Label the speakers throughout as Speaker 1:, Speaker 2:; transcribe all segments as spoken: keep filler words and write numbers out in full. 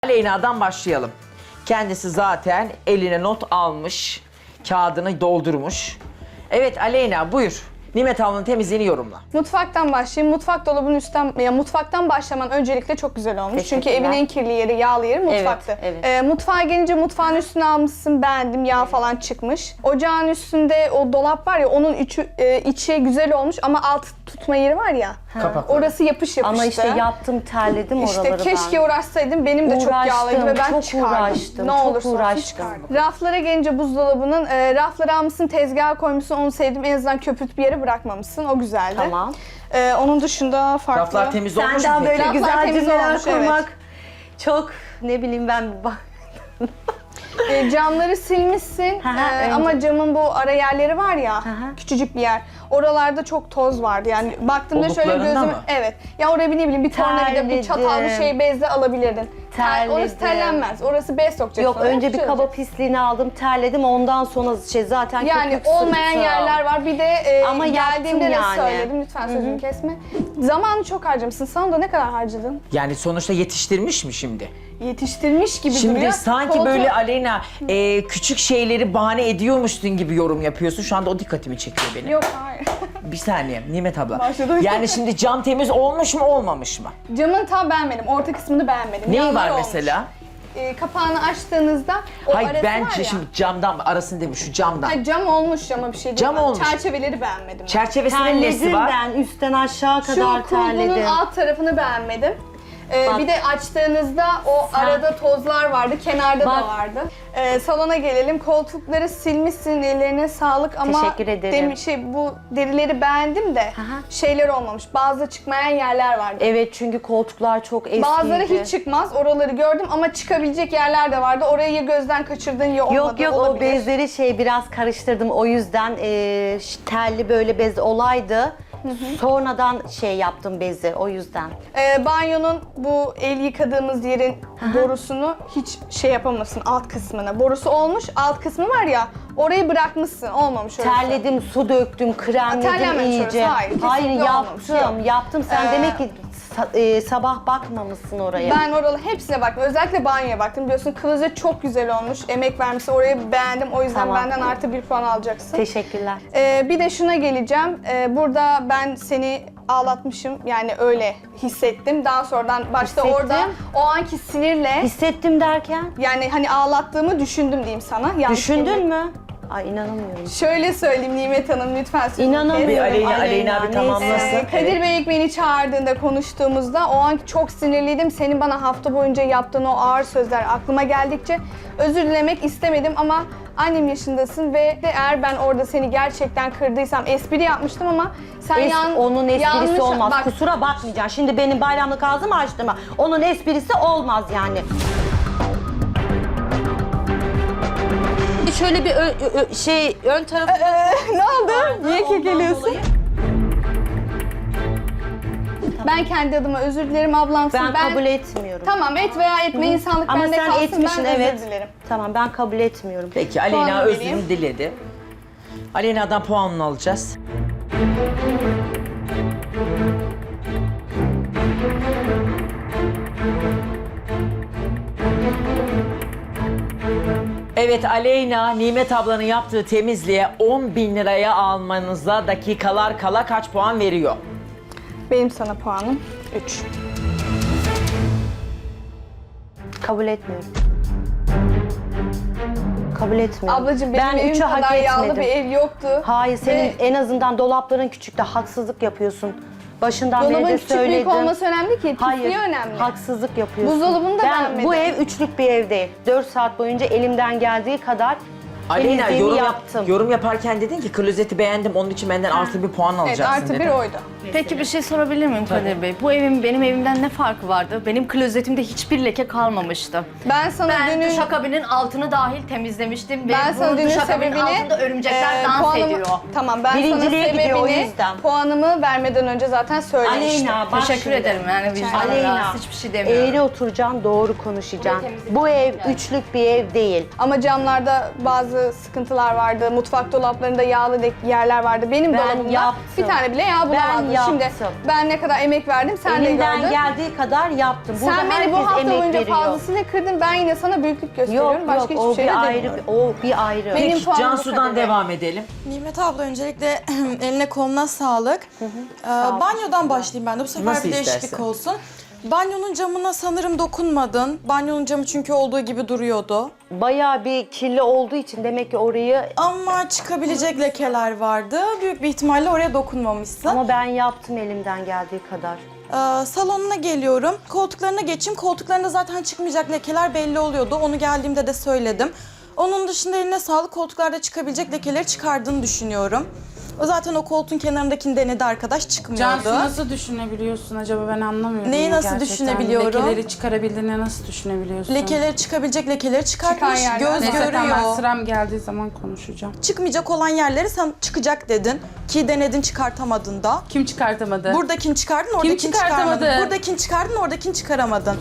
Speaker 1: Aleyna'dan başlayalım. Kendisi zaten eline not almış, kağıdını doldurmuş. Evet Aleyna buyur. Nimet Hanım'ın temizliğini yorumla.
Speaker 2: Mutfaktan başlayayım. Mutfak dolabının üstten, ya mutfaktan başlaman öncelikle çok güzel olmuş. Çünkü evin en kirli yeri, yağlı yeri mutfaktı.
Speaker 3: Evet, evet.
Speaker 2: Ee, mutfağa gelince mutfağın üstüne almışsın, beğendim, yağ falan çıkmış. Ocağın üstünde o dolap var ya, onun içi, e, içi güzel olmuş ama alt tutma yeri var ya.
Speaker 1: Kapakları.
Speaker 2: Orası yapış yapıştı.
Speaker 3: Ama işte yaptım, terledim
Speaker 2: İşte
Speaker 3: oraları
Speaker 2: keşke
Speaker 3: ben.
Speaker 2: uğraşsaydım. Benim de çok
Speaker 3: Uğraştım,
Speaker 2: yağlıydı ve ben
Speaker 3: çok
Speaker 2: çıkardım.
Speaker 3: uğraştım,
Speaker 2: Ne
Speaker 3: çok
Speaker 2: olursa olsun
Speaker 3: uğraştım.
Speaker 2: çıkardım. Raflara gelince buzdolabının, e, rafları almışsın, tezgaha koymuşsun, onu sevdim. En azından köpürt bir yere bırakmamışsın. O güzeldi.
Speaker 3: Tamam.
Speaker 2: E, onun dışında farklı.
Speaker 1: Raflar temiz olmuş mu
Speaker 3: Senden böyle
Speaker 1: peki?
Speaker 2: Raflar
Speaker 3: güzel
Speaker 2: temiz
Speaker 3: cümleler
Speaker 2: olmuş, evet.
Speaker 3: kurmak çok ne bileyim ben bak.
Speaker 2: E, camları silmişsin
Speaker 3: Hı hı,
Speaker 2: e,
Speaker 3: önce-
Speaker 2: ama camın bu ara yerleri var ya,
Speaker 3: Hı hı.
Speaker 2: küçücük bir yer. Oralarda çok toz vardı yani baktığımda şöyle
Speaker 1: Oluklarında
Speaker 2: gözüm,
Speaker 1: mı?
Speaker 2: evet. Ya oraya bir ne bileyim bir tornavida, bir
Speaker 3: Terledim.
Speaker 2: çatal, bir şey bezle alabilirdin. Ter,
Speaker 3: Terledim.
Speaker 2: orası terlenmez. Orası bez sokacaksın.
Speaker 3: Yok
Speaker 2: oraya,
Speaker 3: önce bir
Speaker 2: şey
Speaker 3: kaba
Speaker 2: olacak.
Speaker 3: pisliğini aldım, terledim, ondan sonra şey zaten
Speaker 2: Yani
Speaker 3: köpük
Speaker 2: olmayan
Speaker 3: sırtım.
Speaker 2: yerler var. Bir de e,
Speaker 3: Ama
Speaker 2: geldiğimde
Speaker 3: yaptım
Speaker 2: de
Speaker 3: yani.
Speaker 2: söyledim. Lütfen sözümü kesme. Zamanı çok harcamışsın. Sana da ne kadar harcadın?
Speaker 1: Yani sonuçta yetiştirmiş mi şimdi?
Speaker 2: Yetiştirmiş gibi
Speaker 1: Şimdi
Speaker 2: duruyor.
Speaker 1: sanki
Speaker 2: Koltuğu-
Speaker 1: böyle Aleyna e, küçük şeyleri bahane ediyormuşsun gibi yorum yapıyorsun. Şu anda o dikkatimi çekiyor benim.
Speaker 2: Yok hayır.
Speaker 1: Bir saniye Nimet abla.
Speaker 2: Başladı.
Speaker 1: Yani şimdi cam temiz olmuş mu olmamış mı?
Speaker 2: Camın tam beğenmedim. Orta kısmını beğenmedim.
Speaker 1: Neyi
Speaker 2: Yanları
Speaker 1: var
Speaker 2: olmuş.
Speaker 1: mesela?
Speaker 2: E, kapağını açtığınızda o
Speaker 1: Hayır
Speaker 2: arası
Speaker 1: ben
Speaker 2: var ya.
Speaker 1: şimdi camdan arasını demiş şu camdan.
Speaker 2: Ha, cam olmuş ama bir şey değil.
Speaker 1: Cam
Speaker 2: Ben
Speaker 1: olmuş.
Speaker 2: Çerçeveleri beğenmedim.
Speaker 1: Çerçevesinin nesi
Speaker 3: Terledim
Speaker 1: var?
Speaker 3: ben üstten aşağı
Speaker 2: Şu
Speaker 3: kadar
Speaker 2: kulbunun
Speaker 3: terledim.
Speaker 2: alt tarafını beğenmedim. Ee,
Speaker 3: Bak.
Speaker 2: bir de açtığınızda o
Speaker 3: Sen-
Speaker 2: arada tozlar vardı, kenarda
Speaker 3: Bak.
Speaker 2: da vardı. Ee, salona gelelim. Koltukları silmişsin, ellerine sağlık ama
Speaker 3: Teşekkür ederim.
Speaker 2: demi- şey bu derileri beğendim de
Speaker 3: Aha.
Speaker 2: şeyler olmamış. Bazı çıkmayan yerler vardı.
Speaker 3: Evet çünkü koltuklar çok eskiydi.
Speaker 2: Bazıları hiç çıkmaz. Oraları gördüm ama çıkabilecek yerler de vardı. Orayı ya gözden kaçırdın ya olmadı.
Speaker 3: Yok yok o
Speaker 2: olabilir.
Speaker 3: bezleri şey biraz karıştırdım o yüzden e, telli böyle bez olaydı. Sonradan şey yaptım bezi o yüzden.
Speaker 2: Ee, banyonun bu el yıkadığımız yerin borusunu hiç şey yapamazsın alt kısmına. Borusu olmuş, alt kısmı var ya orayı bırakmışsın. Olmamış orası.
Speaker 3: Terledim, su döktüm, kremledim
Speaker 2: terlenmemiş
Speaker 3: iyice.
Speaker 2: orası, hayır, kesinlikle olmamış,
Speaker 3: yaptım,
Speaker 2: yok.
Speaker 3: yaptım. Sen
Speaker 2: Ee,
Speaker 3: demek ki sa- e, sabah bakmamışsın oraya.
Speaker 2: Ben oralı hepsine baktım. Özellikle banyoya baktım. Biliyorsun klozet çok güzel olmuş. Emek vermişsin. Orayı beğendim. O yüzden
Speaker 3: Tamam.
Speaker 2: benden artı bir puan alacaksın.
Speaker 3: Teşekkürler.
Speaker 2: Ee, bir de şuna geleceğim. Ee, burada ben seni ağlatmışım. Yani öyle hissettim. Daha sonradan başta
Speaker 3: Hissettim.
Speaker 2: orada o anki sinirle
Speaker 3: Hissettim derken,
Speaker 2: yani hani ağlattığımı düşündüm diyeyim sana. Yanlış
Speaker 3: düşündün
Speaker 2: kelime-
Speaker 3: mü? Ay inanamıyorum.
Speaker 2: Şöyle söyleyeyim Nimet Hanım lütfen sözümü
Speaker 3: İnanamıyorum.
Speaker 2: kesmeyin.
Speaker 1: Aleyna, Aleyna bir
Speaker 3: neyse.
Speaker 1: tamamlasın.
Speaker 2: Ee, Kadir
Speaker 1: Evet.
Speaker 2: Bey ilk beni çağırdığında konuştuğumuzda o an çok sinirliydim. Senin bana hafta boyunca yaptığın o ağır sözler aklıma geldikçe özür dilemek istemedim ama annem yaşındasın ve de eğer ben orada seni gerçekten kırdıysam espri yapmıştım ama sen
Speaker 3: Es-
Speaker 2: yan,
Speaker 3: onun esprisi
Speaker 2: yanlış,
Speaker 3: olmaz.
Speaker 2: Bak,
Speaker 3: Kusura bakmayacaksın. Şimdi benim bayramlık ağzımı açtım. Onun esprisi olmaz yani. Şöyle bir ö- ö- ö- şey ön tarafı
Speaker 2: Ee, ne oldu? Niye kekeliyorsun?
Speaker 3: dolayı-
Speaker 2: Ben kendi adıma özür dilerim ablamsın.
Speaker 3: ben, kabul etmiyorum.
Speaker 2: Tamam et veya etme insanlık
Speaker 3: Ama
Speaker 2: bende
Speaker 3: sen
Speaker 2: kalsın
Speaker 3: etmişsin
Speaker 2: ben
Speaker 3: evet.
Speaker 2: özür dilerim.
Speaker 3: Tamam ben kabul etmiyorum.
Speaker 1: Peki Aleyna
Speaker 2: Puanını
Speaker 1: özrünü
Speaker 2: vereyim.
Speaker 1: diledi. Aleyna'dan puanını alacağız. Evet Aleyna, Nimet ablanın yaptığı temizliğe on bin liraya almanıza dakikalar kala kaç puan veriyor?
Speaker 2: Benim sana puanım üç.
Speaker 3: Kabul etmiyorum. Kabul etmiyorum.
Speaker 2: Ablacığım benim
Speaker 3: ben
Speaker 2: evim
Speaker 3: üçü hak
Speaker 2: kadar yağlı
Speaker 3: etmedim.
Speaker 2: bir ev yoktu.
Speaker 3: Hayır senin
Speaker 2: Ve
Speaker 3: en azından dolapların küçükte haksızlık yapıyorsun. Başından beri
Speaker 2: dolabın
Speaker 3: de
Speaker 2: küçük
Speaker 3: söyledim.
Speaker 2: büyük olması önemli ki, pisliği
Speaker 3: Hayır,
Speaker 2: önemli.
Speaker 3: haksızlık yapıyorsun.
Speaker 2: Buzdolabını da
Speaker 3: ben,
Speaker 2: beğenmedim.
Speaker 3: Bu ev üçlük bir ev değil. Dört saat boyunca elimden geldiği kadar
Speaker 1: Aleyna
Speaker 3: temizliğimi
Speaker 1: yorum, yap-
Speaker 3: yaptım.
Speaker 1: yorum yaparken dedin ki klozeti beğendim onun için benden artı bir puan
Speaker 2: Evet
Speaker 1: alacaksın
Speaker 2: artı bir
Speaker 1: dedin.
Speaker 2: oydu.
Speaker 4: Peki bir şey sorabilir miyim Kadir Bey? Bu evin benim evimden ne farkı vardı? Benim klozetimde hiçbir leke kalmamıştı.
Speaker 2: Ben sana
Speaker 4: Ben
Speaker 2: dünün...
Speaker 4: duşakabinin altını dahil temizlemiştim ve
Speaker 2: Ben sana
Speaker 4: bu
Speaker 2: dünün
Speaker 4: duşakabinin
Speaker 2: sebebini...
Speaker 4: altında örümcekler
Speaker 2: e,
Speaker 4: dans
Speaker 2: puanımı-
Speaker 4: ediyor.
Speaker 2: Tamam ben
Speaker 3: Birinciliğe
Speaker 2: sana
Speaker 3: gidiyor, o
Speaker 2: sebebini
Speaker 3: yüzden.
Speaker 2: puanımı vermeden önce zaten söylemiştim.
Speaker 3: Aleyna bak
Speaker 4: Teşekkür
Speaker 3: şimdi.
Speaker 4: ederim yani vicdanım
Speaker 3: Aleyna,
Speaker 4: rahatsız, hiçbir şey demiyorum.
Speaker 3: eğri oturacaksın, doğru konuşacaksın.
Speaker 4: temizlik
Speaker 3: Bu ev
Speaker 4: yani.
Speaker 3: üçlük bir ev değil.
Speaker 2: Ama camlarda bazı sıkıntılar vardı. Mutfak dolaplarında yağlı de- yerler vardı. Benim
Speaker 3: Ben
Speaker 2: dolabımda
Speaker 3: yaptım.
Speaker 2: bir tane bile yağ bulamazdım.
Speaker 3: Ben
Speaker 2: Şimdi
Speaker 3: yaptım.
Speaker 2: ben ne kadar emek verdim sen de
Speaker 3: Elimden
Speaker 2: gördün.
Speaker 3: geldiği kadar yaptım. Burada
Speaker 2: Sen beni bu
Speaker 3: herkes
Speaker 2: hafta
Speaker 3: emek
Speaker 2: boyunca
Speaker 3: veriyor.
Speaker 2: fazlasıyla kırdın. Ben yine sana büyüklük gösteriyorum.
Speaker 3: Yok
Speaker 2: Başka
Speaker 3: yok
Speaker 2: hiçbir
Speaker 3: o
Speaker 2: şey de
Speaker 3: bir ayrı,
Speaker 2: demiyorum.
Speaker 3: o bir ayrı.
Speaker 2: Benim
Speaker 1: Peki
Speaker 2: puanım bu
Speaker 1: Cansu'dan
Speaker 2: kadar.
Speaker 1: devam edelim.
Speaker 5: Nimet abla öncelikle eline koluna sağlık. Ee, banyodan başlayayım ben de bu sefer
Speaker 1: Nasıl
Speaker 5: bir değişiklik
Speaker 1: istersen.
Speaker 5: olsun. Banyonun camına sanırım dokunmadın. Banyonun camı çünkü olduğu gibi duruyordu.
Speaker 3: Bayağı bir kirli olduğu için demek ki orayı
Speaker 5: Ama çıkabilecek lekeler vardı. Büyük bir ihtimalle oraya dokunmamışsın.
Speaker 3: ama ben yaptım elimden geldiği kadar.
Speaker 5: Ee, salonuna geliyorum. Koltuklarına geçeyim. Koltuklarında zaten çıkmayacak lekeler belli oluyordu. Onu geldiğimde de söyledim. Onun dışında eline sağlık, koltuklarda çıkabilecek lekeleri çıkardığını düşünüyorum. O zaten o koltuğun kenarındakini denedi arkadaş, çıkmıyordu.
Speaker 6: Cansu nasıl düşünebiliyorsun acaba, ben anlamıyorum.
Speaker 5: Neyi
Speaker 6: ya
Speaker 5: nasıl
Speaker 6: gerçekten.
Speaker 5: düşünebiliyorum?
Speaker 6: Lekeleri çıkarabildiğini nasıl düşünebiliyorsun?
Speaker 5: Lekeleri çıkabilecek lekeleri çıkartmış,
Speaker 2: Çıkan yerler.
Speaker 5: göz
Speaker 6: Neyse tamam, ben
Speaker 5: görüyor.
Speaker 6: sıram geldiği zaman konuşacağım.
Speaker 5: Çıkmayacak olan yerleri sen çıkacak dedin. Ki denedin, çıkartamadın da.
Speaker 6: Kim çıkartamadı?
Speaker 5: Buradakini çıkardın, oradakini
Speaker 6: çıkartamadı?
Speaker 5: çıkaramadın. Buradakini çıkardın, oradakini çıkaramadın.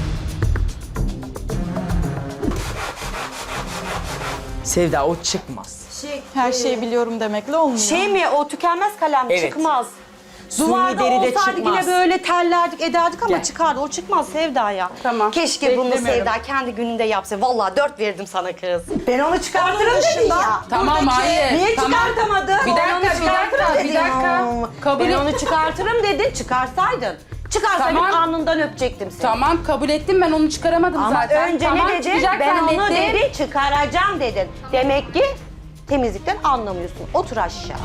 Speaker 1: Sevda o çıkmaz.
Speaker 5: Her şeyi biliyorum demekle olmuyor.
Speaker 3: Şey mi o tükenmez kalem
Speaker 1: Evet.
Speaker 3: çıkmaz.
Speaker 1: Suni
Speaker 3: Duvarda
Speaker 1: deri de
Speaker 3: olsaydı
Speaker 1: çıkmaz.
Speaker 3: yine böyle tellerdik ederdik ama
Speaker 1: Gel.
Speaker 3: çıkardı. O çıkmaz Sevda ya.
Speaker 6: Tamam,
Speaker 3: Keşke bunu
Speaker 6: beklemiyorum.
Speaker 3: Sevda kendi gününde yapsa. Vallahi dört verirdim sana kız. Ben onu çıkartırım
Speaker 5: Onun
Speaker 3: dedin
Speaker 5: dışında-
Speaker 3: ya.
Speaker 6: Tamam
Speaker 5: Buradaki-
Speaker 6: hayır.
Speaker 3: Niye
Speaker 6: tamam.
Speaker 3: çıkartamadın?
Speaker 6: Bir dakika,
Speaker 3: Ben onu
Speaker 6: bir dakika,
Speaker 3: çıkartırım
Speaker 6: bir
Speaker 3: dedin.
Speaker 6: dakika.
Speaker 3: Hmm.
Speaker 6: Kabul
Speaker 3: ben
Speaker 6: et-
Speaker 3: onu çıkartırım dedin, çıkarsaydın. Çıkarsaydın
Speaker 6: Tamam.
Speaker 3: alnından öpecektim seni.
Speaker 6: Tamam kabul ettim, ben onu çıkaramadım
Speaker 3: Ama
Speaker 6: zaten.
Speaker 3: önce
Speaker 6: tamam,
Speaker 3: ne dedin?
Speaker 6: çıkacak
Speaker 3: Ben onu
Speaker 6: zannettim.
Speaker 3: dedi, çıkaracağım dedin. Demek ki temizlikten anlamıyorsun. Otur aşağı.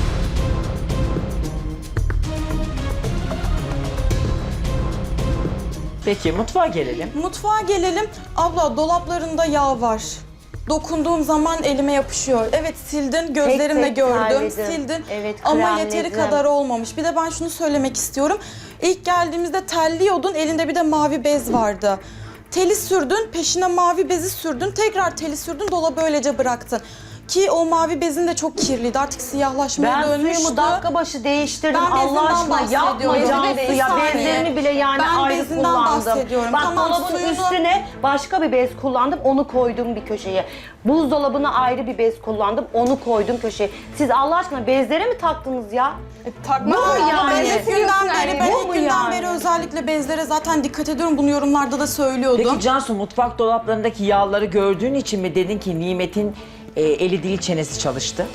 Speaker 1: Peki mutfağa gelelim.
Speaker 5: Mutfağa gelelim. Abla dolaplarında yağ var. Dokunduğum zaman elime yapışıyor. Evet sildin, gözlerimle
Speaker 3: tek
Speaker 5: gördüm,
Speaker 3: terledim.
Speaker 5: sildin.
Speaker 3: Evet,
Speaker 5: Ama yeteri
Speaker 3: kremledim.
Speaker 5: kadar olmamış. Bir de ben şunu söylemek istiyorum. İlk geldiğimizde terliyordun, elinde bir de mavi bez vardı. Teli sürdün, peşine mavi bezi sürdün, tekrar teli sürdün, dolabı öylece bıraktın. Ki o mavi bezin de çok kirliydi, artık siyahlaşmaya
Speaker 3: Ben
Speaker 5: dönmüştü.
Speaker 3: suyumu dakika başı değiştirdim.
Speaker 5: Ben bezinden
Speaker 3: Allah aşkına yapma
Speaker 5: bahsediyorum.
Speaker 3: Cansu
Speaker 5: Bir
Speaker 3: ya.
Speaker 5: saniye.
Speaker 3: Bezlerimi bile yani
Speaker 5: Ben
Speaker 3: ayrı
Speaker 5: bezinden
Speaker 3: kullandım.
Speaker 5: bahsediyorum.
Speaker 3: Bak
Speaker 5: Tamam,
Speaker 3: dolabın
Speaker 5: suyunu-
Speaker 3: üstüne başka bir bez kullandım. Onu koydum bir köşeye. Buzdolabına ayrı bir bez kullandım. Onu koydum köşeye. Siz Allah aşkına bezlere mi taktınız ya?
Speaker 2: Takma
Speaker 3: Bu
Speaker 2: ama
Speaker 3: yani.
Speaker 2: ben
Speaker 5: Ben
Speaker 2: de
Speaker 5: ilk günden beri, ben
Speaker 3: Bu
Speaker 5: ilk
Speaker 3: mu
Speaker 5: günden
Speaker 3: yani?
Speaker 5: beri özellikle bezlere zaten dikkat ediyorum. Bunu yorumlarda da söylüyordum.
Speaker 1: Peki Cansu mutfak dolaplarındaki yağları gördüğün için mi dedin ki Nimet'in e, eli değil çenesi çalıştı?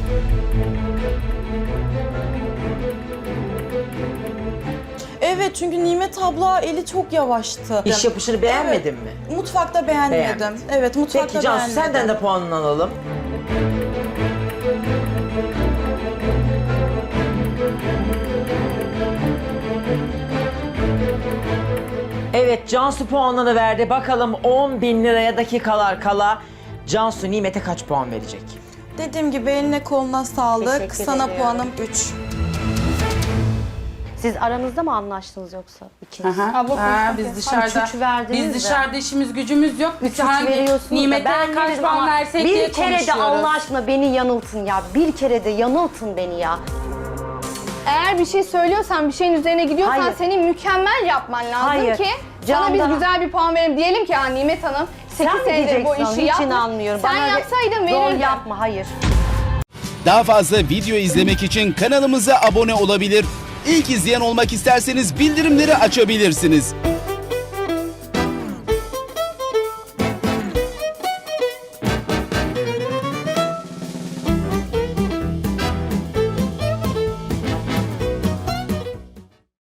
Speaker 5: Evet, çünkü Nimet abla eli çok yavaştı.
Speaker 1: İş yapışını beğenmedin mi?
Speaker 5: Mutfakta beğenmedim.
Speaker 1: Beğenmedin.
Speaker 5: Evet, mutfakta
Speaker 1: Peki Cansu
Speaker 5: beğenmedim.
Speaker 1: senden de puanını alalım. Evet Cansu puanını verdi. Bakalım on bin liraya dakikalar kala Cansu Nimet'e kaç puan verecek?
Speaker 5: Dediğim gibi eline koluna sağlık.
Speaker 3: Teşekkür
Speaker 5: Sana
Speaker 3: ediyorum.
Speaker 5: puanım üç.
Speaker 3: Siz aranızda mı anlaştınız yoksa ikiniz?
Speaker 6: Aha.
Speaker 2: Abla
Speaker 6: Ha,
Speaker 2: konuşmak
Speaker 6: biz
Speaker 2: yok.
Speaker 6: dışarıda,
Speaker 3: Üç verdiniz
Speaker 6: biz
Speaker 3: de.
Speaker 6: dışarıda işimiz gücümüz yok. Biz
Speaker 3: Üç
Speaker 6: hangi
Speaker 3: veriyorsunuz da
Speaker 6: Nimet'e
Speaker 3: ben
Speaker 6: kaç
Speaker 3: veririm
Speaker 6: puan
Speaker 3: ama
Speaker 6: versek
Speaker 3: bir
Speaker 6: diye
Speaker 3: kere de
Speaker 6: konuşuyoruz.
Speaker 3: Allah aşkına beni yanıltın ya. Bir kere de yanıltın beni ya.
Speaker 2: Eğer bir şey söylüyorsan, bir şeyin üzerine gidiyorsan
Speaker 3: Hayır.
Speaker 2: senin mükemmel yapman lazım
Speaker 3: Hayır.
Speaker 2: ki sana biz
Speaker 3: Candan-
Speaker 2: güzel bir puan verelim. Diyelim ki ya Nimet Hanım
Speaker 3: Sen
Speaker 2: sekiz
Speaker 3: mi
Speaker 2: senedir bu
Speaker 3: diyeceksin?
Speaker 2: işi
Speaker 3: Hiç
Speaker 2: yapmış.
Speaker 3: inanmıyorum.
Speaker 2: Sen
Speaker 3: Bana öyle
Speaker 2: yapsaydın
Speaker 3: Rol
Speaker 2: verirdin.
Speaker 3: yapma, hayır.
Speaker 7: Daha fazla video izlemek için kanalımıza abone olabilir. İlk izleyen olmak isterseniz bildirimleri açabilirsiniz.